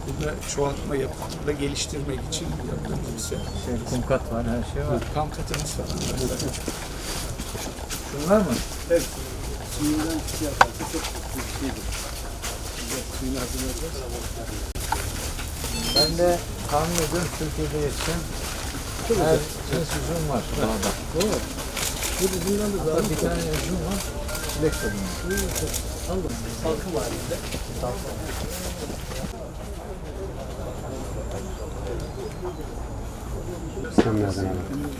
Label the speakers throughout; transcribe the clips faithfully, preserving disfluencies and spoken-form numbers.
Speaker 1: Burada çoğaltma yapıp da geliştirmek için yaptığımız bir şey.
Speaker 2: Şey, kumkat var, her şey var.
Speaker 1: Kam katımız var.
Speaker 2: Şunlar mı?
Speaker 3: Evet. Suyundan şey yaparsa çok kötü bir şeydir. Size suyunu hazırlayacağız.
Speaker 2: Ben de tahmin ediyorum Türkiye'de yetişen her cins üzüm var dağda.
Speaker 3: Doğru. Bu üzümden de daha
Speaker 2: Bir tane üzüm var, çilek tadında.
Speaker 3: aldım. Salkım var bizde.
Speaker 4: Sen nereden aldın?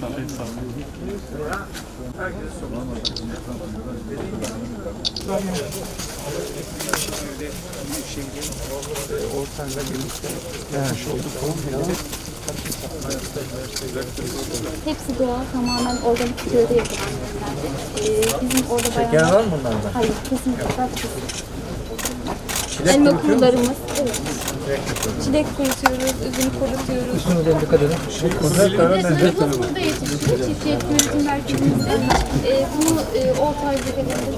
Speaker 1: Ortamda birlikte yapmış olduk. Tohum
Speaker 5: Hepsi doğal, tamamen organik köyde yapılan ürünlerdir. Ee, bizim orada bayağı...
Speaker 2: Şeker var mı bunlarda?
Speaker 5: Hayır, kesinlikle katkısız.
Speaker 2: Çilek
Speaker 5: Elma
Speaker 2: kurutuyor
Speaker 5: kurularımız, evet. Çilek kurutuyoruz, üzüm kurutuyoruz.
Speaker 2: Üstüne dikkat edin.
Speaker 5: Üzümlerimiz burada yetişiyor, çiftçilik üretim merkezimizde. Ee, bunu e, orta ay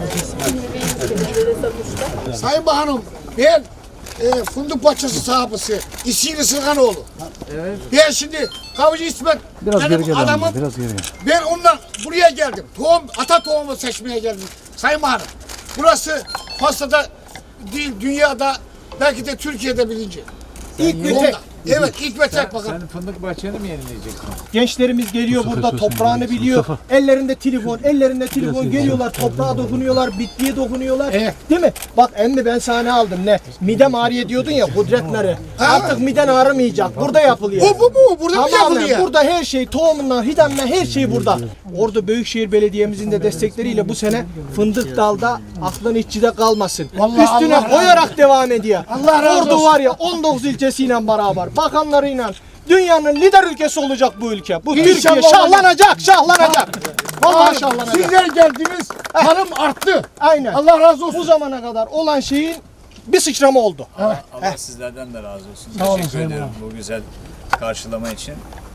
Speaker 5: bölgelerinde satışta.
Speaker 6: Sayın Bakanım, ben e, fındık bahçesi sahibisi İsili Sırganoğlu.
Speaker 2: Evet.
Speaker 6: Ben şimdi Kavcı İsmet
Speaker 4: Biraz
Speaker 6: benim
Speaker 4: geri gel
Speaker 6: adamım.
Speaker 4: amca, biraz geri gel.
Speaker 6: Ben ondan buraya geldim. Tohum, ata tohumu seçmeye geldim. Sayın Bakanım, burası Fas'ta değil, dünyada, belki de Türkiye'de bilinci. İlk ve tek. Evet, ilk ve tek bakın.
Speaker 2: Sen fındık bahçeni mi yenileyeceksin?
Speaker 3: Gençlerimiz geliyor burada toprağını biliyor. Ellerinde telefon, ellerinde telefon geliyorlar, toprağa dokunuyorlar, bitkiye dokunuyorlar.
Speaker 6: Evet.
Speaker 3: Değil mi? Bak emmi ben sana aldım ne? Midem ağrıyor diyordun ya kudretleri. Artık miden ağrımayacak. Burada yapılıyor.
Speaker 6: Bu bu bu, burada mı
Speaker 3: Tamamen
Speaker 6: yapılıyor?
Speaker 3: burada her şey tohumundan, hidandan her şey burada. Orada Büyükşehir Belediye'mizin de destekleriyle bu sene fındık dalda aklın içinde kalmasın.
Speaker 6: Vallahi
Speaker 3: Üstüne
Speaker 6: Allah razı
Speaker 3: koyarak devam ediyor.
Speaker 6: Allah razı
Speaker 3: Orada
Speaker 6: olsun.
Speaker 3: var ya on dokuz ilçesiyle beraber, bakanlarıyla dünyanın lider ülkesi olacak bu ülke. Bu Türkiye
Speaker 6: İnşallah
Speaker 3: şahlanacak, şahlanacak. Vallahi şahlanacak.
Speaker 6: Sizler geldiniz, tarım arttı.
Speaker 3: Aynen.
Speaker 6: Allah razı olsun.
Speaker 3: Bu zamana kadar olan şeyin bir sıçrama oldu.
Speaker 7: Allah sizlerden de razı olsun. Teşekkür ederim bu güzel karşılama için.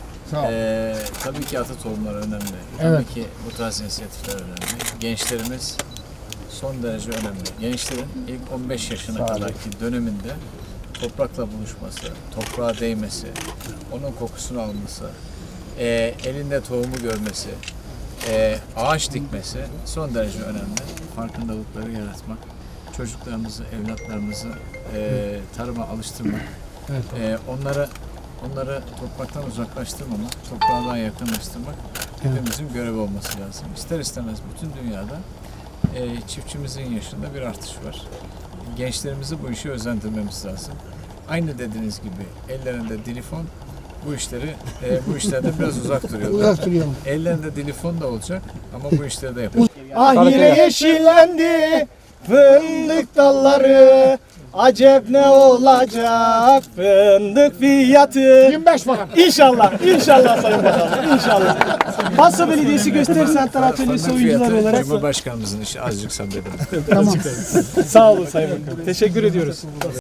Speaker 7: Ee, tabii ki ata tohumları önemli. Tabii ki bu tarz inisiyatifler önemli. Gençlerimiz son derece önemli. Gençlerin ilk on beş yaşına kadarki döneminde toprakla buluşması, toprağa değmesi, onun kokusunu alması, e, elinde tohumu görmesi, e, ağaç dikmesi son derece önemli. Farkındalıkları yaratmak, çocuklarımızı, evlatlarımızı e, tarıma alıştırmak, e, onları onları topraktan uzaklaştırmamak, toprağdan yakınlaştırmak hepimizin görevi olması lazım. İster istemez bütün dünyada e, çiftçimizin yaşında bir artış var. Gençlerimizi bu işe özendirmemiz lazım. Aynı dediğiniz gibi ellerinde telefon bu işleri e, bu işlerden biraz uzak duruyorlar.
Speaker 6: Uzak duruyorum.
Speaker 7: Ellerinde telefon da olacak ama bu işleri de yapacak.
Speaker 3: Ah yine yeşillendi fındık dalları. Acep ne olacak fındık fiyatı?
Speaker 6: yirmi beş bakan.
Speaker 3: İnşallah, inşallah Sayın Bakanım, inşallah. Fasa Belediyesi Gösteri Sanat Atölyesi oyuncuları olarak
Speaker 7: Cumhurbaşkanımızın işi azıcık sabredin.
Speaker 3: sağ olun Sayın Bakanım. Teşekkür ediyoruz.